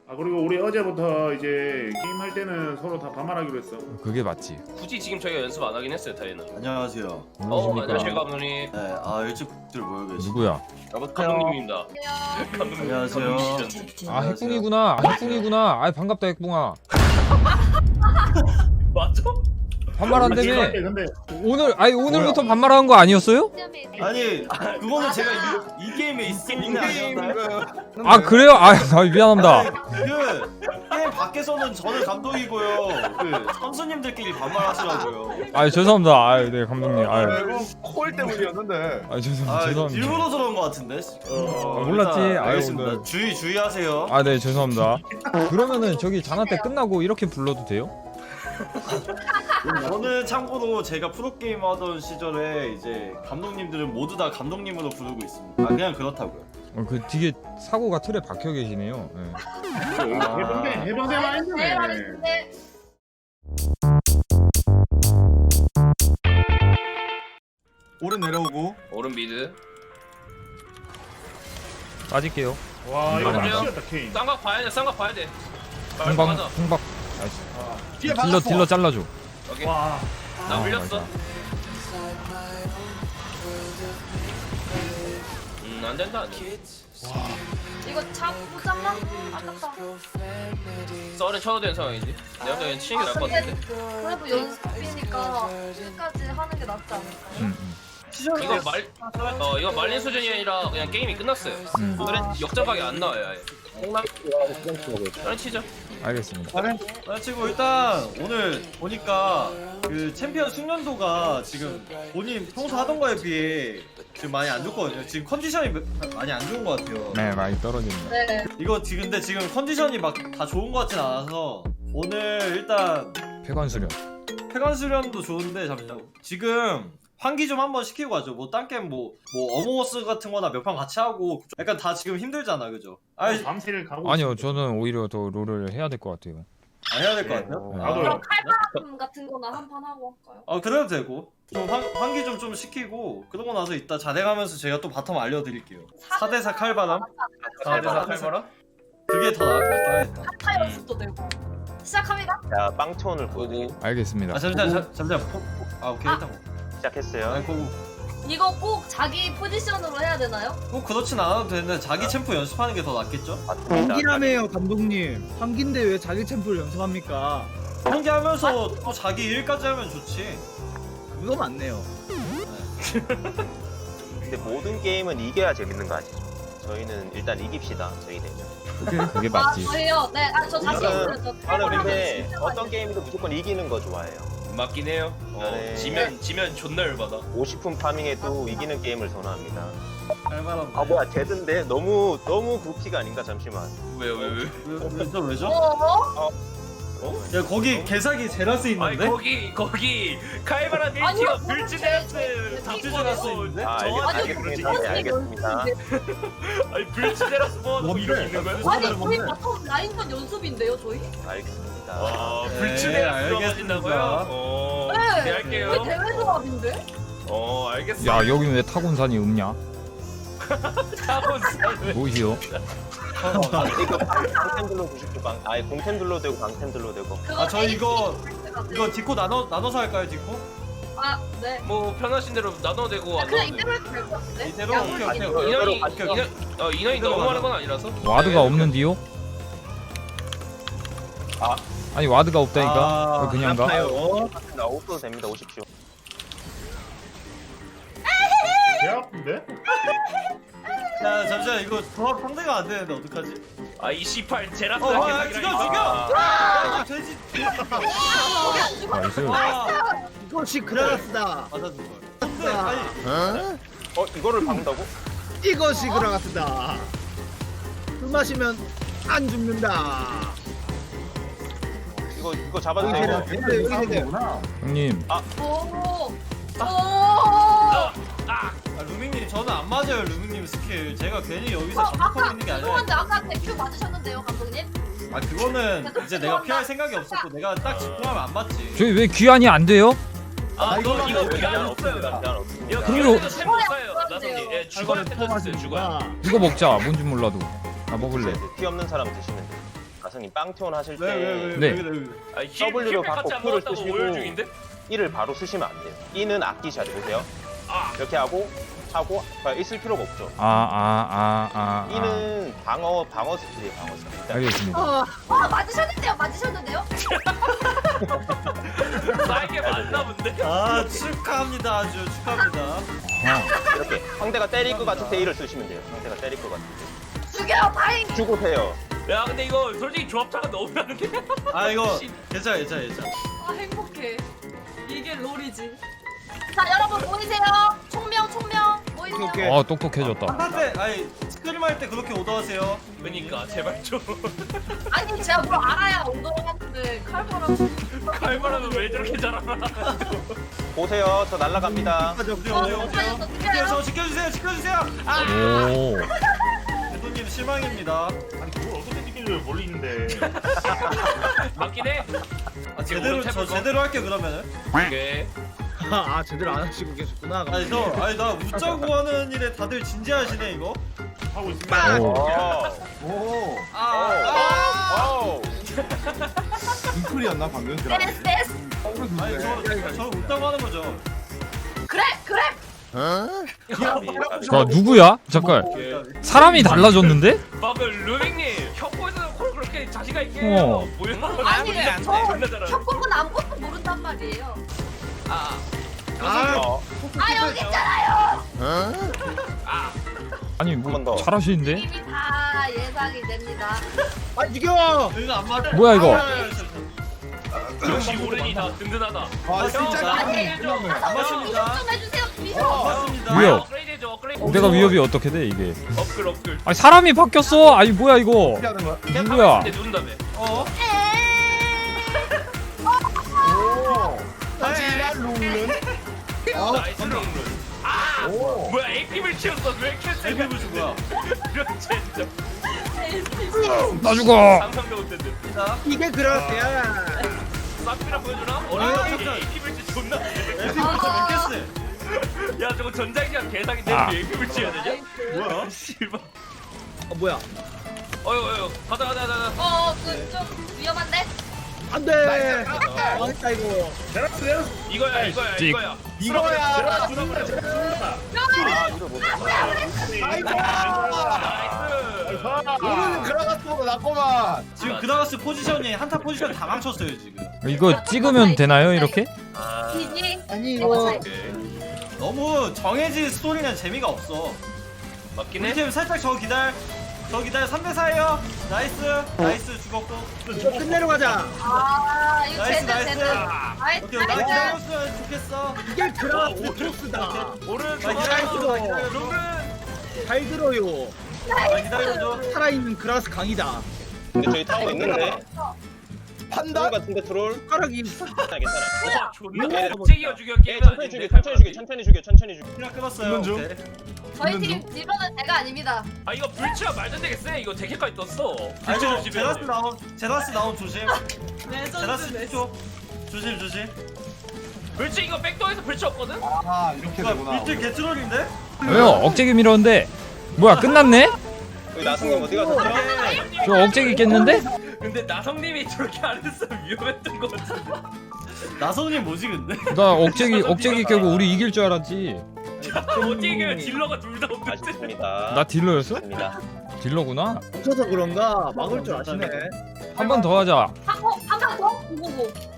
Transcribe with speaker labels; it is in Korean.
Speaker 1: 아 그리고 우리 어제부터 이제 게임 할 때는 서로 다 반말하기로 했어.
Speaker 2: 그게 맞지.
Speaker 3: 굳이 지금 저희가 연습 안 하긴 했어요, 다이는.
Speaker 4: 안녕하세요.
Speaker 3: 안녕하세요, 감독님.
Speaker 4: 네, 일찍들 모여 계시.
Speaker 2: 누구야?
Speaker 3: 감독님입니다. 감독님.
Speaker 4: 안녕하세요.
Speaker 3: 감독님이시죠.
Speaker 2: 아 핵붕이구나. 핵붕이구나. 아 반갑다 핵붕아.
Speaker 3: 맞아?
Speaker 2: 반말한다며.
Speaker 1: 근데
Speaker 2: 오늘부터 반말하는 거 아니었어요?
Speaker 4: 아니, 그거는 제가 이 게임에 있는 게 아니었나요?
Speaker 2: 아 그래요? 아 미안합니다.
Speaker 4: 게임 밖에서는 저는 감독이고요. 선수님들끼리 반말하시라고요.
Speaker 2: 아 죄송합니다. 아 네 감독님. 아
Speaker 5: 콜 때문이었는데.
Speaker 2: 죄송합니다.
Speaker 4: 일부러 저런 거 같은데.
Speaker 2: 몰랐지.
Speaker 4: 일단
Speaker 2: 아유,
Speaker 4: 알겠습니다.
Speaker 2: 오늘.
Speaker 4: 주의하세요.
Speaker 2: 아 네 죄송합니다. 그러면은 저기 자나 때 끝나고 이렇게 불러도 돼요?
Speaker 4: 저는 참고로 제가 프로게이머 하던 시절에 이제 감독님들은 모두 다 감독님으로 부르고 있습니다. 아 그냥 그렇다고요.
Speaker 2: 그 뒤에 사고가 틀에 박혀 계시네요. 네.
Speaker 1: 해병대만 했네.
Speaker 5: 오른 내려오고.
Speaker 3: 오른 미드.
Speaker 2: 빠질게요.
Speaker 1: 와 이거
Speaker 3: 맞아요?
Speaker 1: 미치겠다 케인.
Speaker 3: 쌍각 봐야 돼, 쌍각 봐야 돼.
Speaker 2: 홍박
Speaker 3: 맞아.
Speaker 2: 홍박. 나이스.
Speaker 5: 뒤에
Speaker 2: 딜러 잘라줘.
Speaker 3: 오케이.
Speaker 1: 와
Speaker 3: 나 물렸어. 안 된다, 안 돼.
Speaker 6: 이거 못 잡나? 아깝다.
Speaker 3: 썰은 쳐도 되는 상황이지. 내가 그냥 치는 게 나을 것 같은데.
Speaker 6: 그래도 연습이니까 끝까지 하는 게 낫지 않을까요?
Speaker 3: 이거 말린 수준이 아니라 그냥 게임이 끝났어요. 그래 역전각이 안 나와요, 아예. 썰은 치죠.
Speaker 2: 알겠습니다.
Speaker 4: 치고 일단 오늘 보니까 그 챔피언 숙련도가 지금 본인 평소 하던 거에 비해 지금 많이 안 좋거든요. 지금 컨디션이 많이 안 좋은 것 같아요.
Speaker 2: 네 많이 떨어진다.
Speaker 6: 네.
Speaker 4: 이거 근데 지금 컨디션이 막 다 좋은 것 같진 않아서 오늘 일단
Speaker 2: 폐관 수련.
Speaker 4: 폐관 수련도 좋은데 잠시만 지금 환기 좀 한번 시키고 가죠. 뭐 딴 게임 뭐 어몽어스 같은 거나 몇 판 같이 하고 약간 다 지금 힘들잖아. 그죠?
Speaker 1: 밤새를 가고.
Speaker 2: 아니요 저는 오히려 더 롤을 해야 될 것 같아요.
Speaker 4: 해야 될 것 같아요?
Speaker 1: 나도요.
Speaker 6: 그럼 칼바람 같은 거나 한 판 하고 할까요?
Speaker 4: 그래도 되고 좀 환기 좀 시키고 그러고 나서 이따 자랭하면서 제가 또 바텀 알려드릴게요. 4대4 칼바람?
Speaker 3: 4대4 칼바람?
Speaker 4: 그게 더 나을 것 같다.
Speaker 6: 타타 연습도 되고. 시작합니다.
Speaker 7: 자, 빵톤을 보고
Speaker 2: 알겠습니다.
Speaker 4: 잠시만. 오케이 일단
Speaker 7: 시작했어요.
Speaker 6: 이거 꼭 자기 포지션으로 해야 되나요?
Speaker 4: 꼭 그렇진 않아도 되는데 자기 챔프 연습하는 게 더 낫겠죠?
Speaker 8: 환기라며요 감독님. 환기인데 왜 자기 챔프를 연습합니까?
Speaker 4: 환기하면서 또 자기 일까지 하면 좋지.
Speaker 8: 그거 맞네요.
Speaker 7: 근데 모든 게임은 이겨야 재밌는 거 아시죠? 저희는 일단 이깁시다. 저희 되면.
Speaker 2: 그게 맞지.
Speaker 6: 저예요. 네, 저 자신 있어요. 저
Speaker 7: 저는 근데
Speaker 6: 진짜
Speaker 7: 어떤
Speaker 6: 많이
Speaker 7: 게임도 무조건 이기는 거 좋아해요.
Speaker 3: 맞긴 해요.
Speaker 7: 네.
Speaker 3: 지면 존나 열받아.
Speaker 7: 50분 파밍에도 이기는 게임을 선호합니다.
Speaker 4: 칼바람.
Speaker 7: 뭐야 제드인데 너무 굽피가 아닌가 잠시만.
Speaker 3: 왜요?
Speaker 4: 왜죠?
Speaker 6: 어?
Speaker 4: 야 거기 개사기 제라스
Speaker 3: 아니
Speaker 4: 있는데?
Speaker 3: 거기 칼바람
Speaker 6: 아니요,
Speaker 3: 1티어 불치데라스
Speaker 4: 잡주제라스 있는데?
Speaker 7: 알겠습니다. 네, 알겠습니다.
Speaker 3: 아니 불치데라스 뭐 이런 게 있는 거야?
Speaker 6: 아니 저희 바텀 라인전 연습인데요, 저희?
Speaker 7: 알겠습니다.
Speaker 3: 와
Speaker 4: 네,
Speaker 3: 불치데라스
Speaker 4: 알겠습니다.
Speaker 3: 들어가신다고요?
Speaker 6: 네.
Speaker 3: 네 할게요.
Speaker 6: 저희 대회 조합인데?
Speaker 3: 알겠어.
Speaker 2: 야 여기는 왜 타곤산이 없냐?
Speaker 3: 타곤산.
Speaker 2: 뭐시오?
Speaker 7: 이거 방템들로 90도 아예 공템들로 되고 방템들로 되고.
Speaker 4: 저희 이거 디코 나눠서 할까요 디코?
Speaker 6: 네.
Speaker 3: 뭐 편하신 대로 나눠도 되고 안
Speaker 6: 그냥
Speaker 3: 나눠도
Speaker 6: 이대로 해도 될 것 같은데?
Speaker 4: 이대로?
Speaker 6: 양쪽
Speaker 4: 오케이,
Speaker 6: 이대로.
Speaker 4: 오케이.
Speaker 3: 인원이 너무 많은 건 아니라서.
Speaker 2: 와드가 없는디요? 아니 와드가 없다니까.
Speaker 4: 아,
Speaker 2: 그냥 가?
Speaker 7: 나 없어도 됩니다. 오십시오.
Speaker 1: 개 아픈데?
Speaker 4: 야 잠시만 이거 조합 상대가 안 되는데 어떡하지?
Speaker 3: 이 C8 제라스
Speaker 4: 죽여! 야 돼지!
Speaker 2: 나이스.
Speaker 8: 이것이 그라가스다.
Speaker 4: 맞아준 걸. 근데 아니
Speaker 7: 이거를 박는다고?
Speaker 8: 이것이 그라가스다. 술 마시면 안 죽는다.
Speaker 7: 이거 잡아도 돼요.
Speaker 8: 근데 여기 되게
Speaker 2: 형님
Speaker 6: 오.
Speaker 4: 루밍님 저는 안 맞아요 루밍님 스킬. 제가 괜히 여기서
Speaker 6: 아까
Speaker 4: 잡고 있는 게 아니라.
Speaker 6: 죄송한데 아까 대표 맞으셨는데요, 감독님?
Speaker 4: 그거는 이제 내가 피할 생각이 없었고 내가 딱 집중하면 안 맞지.
Speaker 2: 저희 왜 귀환이 안 돼요?
Speaker 3: 이거 그냥 없어요. 이거
Speaker 2: 그럼요.
Speaker 3: 그냥 템 없어요. 나선이 주거한테 줬어요. 주거.
Speaker 2: 이거 먹자. 뭔지 몰라도. 나 먹을래.
Speaker 7: 피 없는 사람 드시면 돼요. 나성님 빵티온 하실 때
Speaker 4: 왜왜왜
Speaker 2: 네.
Speaker 3: 아니
Speaker 7: W로
Speaker 3: 힐팩 같이
Speaker 7: 받고
Speaker 3: 안
Speaker 7: Q를
Speaker 3: 나왔다고
Speaker 7: 쓰시고.
Speaker 3: 오열 중인데?
Speaker 7: 1을 바로 쓰시면 안 돼요. 2는 아끼셔야 돼요. 보세요.
Speaker 3: 아
Speaker 7: 이렇게 하고 있을 필요가 없죠.
Speaker 2: 아.
Speaker 7: 2는 방어 스킬이에요. 방어 스킬.
Speaker 2: 알겠습니다.
Speaker 6: 맞으셨는데요?
Speaker 3: 나에게 맞나 본데?
Speaker 4: 아 축하합니다. 아주 축하합니다.
Speaker 7: 이렇게 상대가 때릴 것 같을 때 1을 쓰시면 돼요. 상대가 때릴 것 같을 때.
Speaker 6: 죽여, 다행.
Speaker 7: 죽으세요.
Speaker 3: 야 근데 이거 솔직히 조합차가 너무 하는데?
Speaker 4: 아 이거 괜찮아.
Speaker 6: 아, 행복해. 이게 롤이지. 자, 여러분 모이세요. 총명 모이세요.
Speaker 8: 오케이.
Speaker 2: 똑똑해졌다.
Speaker 4: 한때 아니 스크림 할 때 그렇게 오더하세요.
Speaker 3: 그니까 제발 좀
Speaker 6: 아니, 제가 뭘 알아야 오더한테 칼바람.
Speaker 3: 칼바람은 왜 저렇게 잘하나?
Speaker 7: 보세요. 저 날라갑니다.
Speaker 4: 오세요. 저 지켜주세요. 아
Speaker 2: 오.
Speaker 4: 대도님 실망입니다.
Speaker 1: 아니 그걸 어떻게 느끼는지 멀리 있는데.
Speaker 3: 맞긴 해.
Speaker 4: 아 제대로 할게 그러면은.
Speaker 3: 오케이.
Speaker 8: 아 제대로 안 하시고 계셨구나.
Speaker 4: 아니 나 웃자고 하는 일에 다들 진지하시네 이거.
Speaker 1: 하고 있습니다.
Speaker 2: 오.
Speaker 5: 오.
Speaker 7: 오.
Speaker 5: 빙클이었나 방금?
Speaker 6: 됐어.
Speaker 4: 아니 저 웃자고 하는 거죠.
Speaker 6: 그래.
Speaker 2: 자 누구야? 잠깐. 사람이 달라졌는데?
Speaker 3: 방금 루빅님 협곡에서 콜 그렇게 자신감 있게
Speaker 2: 어.
Speaker 3: 해요. 뭐야?
Speaker 6: 아니, 저
Speaker 3: 존나 잘하네.
Speaker 6: 협곡은 아무것도 모른단 말이에요.
Speaker 3: 아.
Speaker 6: 여기 있잖아요.
Speaker 2: 아니
Speaker 7: 한 번
Speaker 2: 뭐
Speaker 7: 더.
Speaker 2: 잘하시는데?
Speaker 6: 이미 다 예상이 됩니다.
Speaker 8: 아 죽여.
Speaker 4: 여기가 안 맞아.
Speaker 2: 뭐야, 이거?
Speaker 3: 역시 오른이 다 든든하다.
Speaker 5: 아 진짜.
Speaker 6: 아니,
Speaker 4: 안
Speaker 6: 미션
Speaker 4: 맞습니다.
Speaker 6: 좀 해주세요.
Speaker 4: 안
Speaker 6: 미션.
Speaker 4: 맞습니다.
Speaker 2: 위협.
Speaker 3: 업그레이드죠 업그레이드.
Speaker 2: 내가 위협이 어떻게 돼 이게?
Speaker 3: 업글.
Speaker 2: 아니 사람이 바뀌었어. 아니 뭐야 이거?
Speaker 5: 어떻게 하는 거야?
Speaker 2: 누구야?
Speaker 3: 근데 누른다며.
Speaker 4: 어?
Speaker 5: 오. 하지만 룰은.
Speaker 3: 나이스 롱룬. 아
Speaker 5: 오.
Speaker 3: 뭐야 AP를 치웠어 왜 이렇게 세게
Speaker 4: 대비 부수 거야.
Speaker 3: 이런 진짜
Speaker 2: 나 죽어.
Speaker 3: 상상도 못했는데.
Speaker 4: 자,
Speaker 8: 이게 그렇대야.
Speaker 3: 쌈이라 보여주나? 어린이 AP를 치 존나.
Speaker 4: 대비 부수 몇 개스?
Speaker 3: 야 저거 전자기장 개사기인데
Speaker 2: 아.
Speaker 3: AP를 치어야 되냐?
Speaker 4: 뭐야?
Speaker 3: 씨발.
Speaker 8: 뭐야?
Speaker 3: 어휴 가자.
Speaker 6: 좀 위험한데?
Speaker 8: 안돼. 망했다 이거.
Speaker 3: 이거야.
Speaker 2: 찍.
Speaker 5: 이거야.
Speaker 7: 아, 이거 못
Speaker 3: 나이스.
Speaker 5: 우리는 그라가스보다 낫구만.
Speaker 4: 지금 그라가스 포지션이 한타 포지션 다 망쳤어요 지금.
Speaker 2: 이거 찍으면 되나요 이렇게?
Speaker 6: 기지.
Speaker 8: 아니 이거
Speaker 4: 너무 정해진 스토리는 재미가 없어.
Speaker 3: 맞긴
Speaker 4: 우리
Speaker 3: 해.
Speaker 4: 팀 살짝 저 기다려 3대 4예요. 나이스 죽었고.
Speaker 8: 이거 끝내러 가자.
Speaker 6: 이거
Speaker 4: 나이스.
Speaker 6: 제드.
Speaker 4: 오케이 나
Speaker 6: 나이스.
Speaker 4: 기다렸으면 좋겠어.
Speaker 8: 이게 그라스 토스다.
Speaker 3: 오른
Speaker 4: 나 기다려줘.
Speaker 3: 롱룬.
Speaker 8: 잘 들어요.
Speaker 4: 나 기다려줘.
Speaker 8: 살아있는 그라스 강이다.
Speaker 7: 근데 저희 타고 있는데. 트롤
Speaker 5: 판다?
Speaker 7: 같은데 트롤?
Speaker 8: 숟가락이
Speaker 7: 괜찮아.
Speaker 3: 와 존나
Speaker 7: 예.
Speaker 3: 갑자기 죽여
Speaker 7: 예, 천천히 죽여.
Speaker 4: 그냥 끊었어요.
Speaker 5: 중.
Speaker 4: 오케이.
Speaker 6: 저희 팀 딜러는 제가 아닙니다.
Speaker 3: 아 이거 불치가 말도 되게 세. 이거 대캐까지 떴어.
Speaker 4: 아니 저
Speaker 3: 불치
Speaker 4: 제라스 나온 조심. 제라스
Speaker 6: 레전드.
Speaker 4: 조심.
Speaker 3: 불치 이거 백도어에서 불치 없거든?
Speaker 5: 아 이렇게 되구나.
Speaker 4: 빌드 개트롤인데?
Speaker 2: 왜요? 억제기 밀었는데? 뭐야 끝났네?
Speaker 7: 여기 나성님 어디 가셨죠?
Speaker 2: 저 억제기 깼는데?
Speaker 3: 근데 나성님이 저렇게 안 했으면 위험했던 것 같은데.
Speaker 4: 나성님 뭐지 근데?
Speaker 2: 나 억제기 깨고 우리 이길 줄 알았지.
Speaker 3: 어떻게 딜러가 둘 다 없는데?
Speaker 7: 아쉽습니다.
Speaker 2: 나 딜러였어?
Speaker 7: 아쉽습니다.
Speaker 2: 딜러구나.
Speaker 8: 붙어서 그런가 막을 줄 아시네.
Speaker 2: 한 번 더 하자.
Speaker 6: 한번 더? 고고고.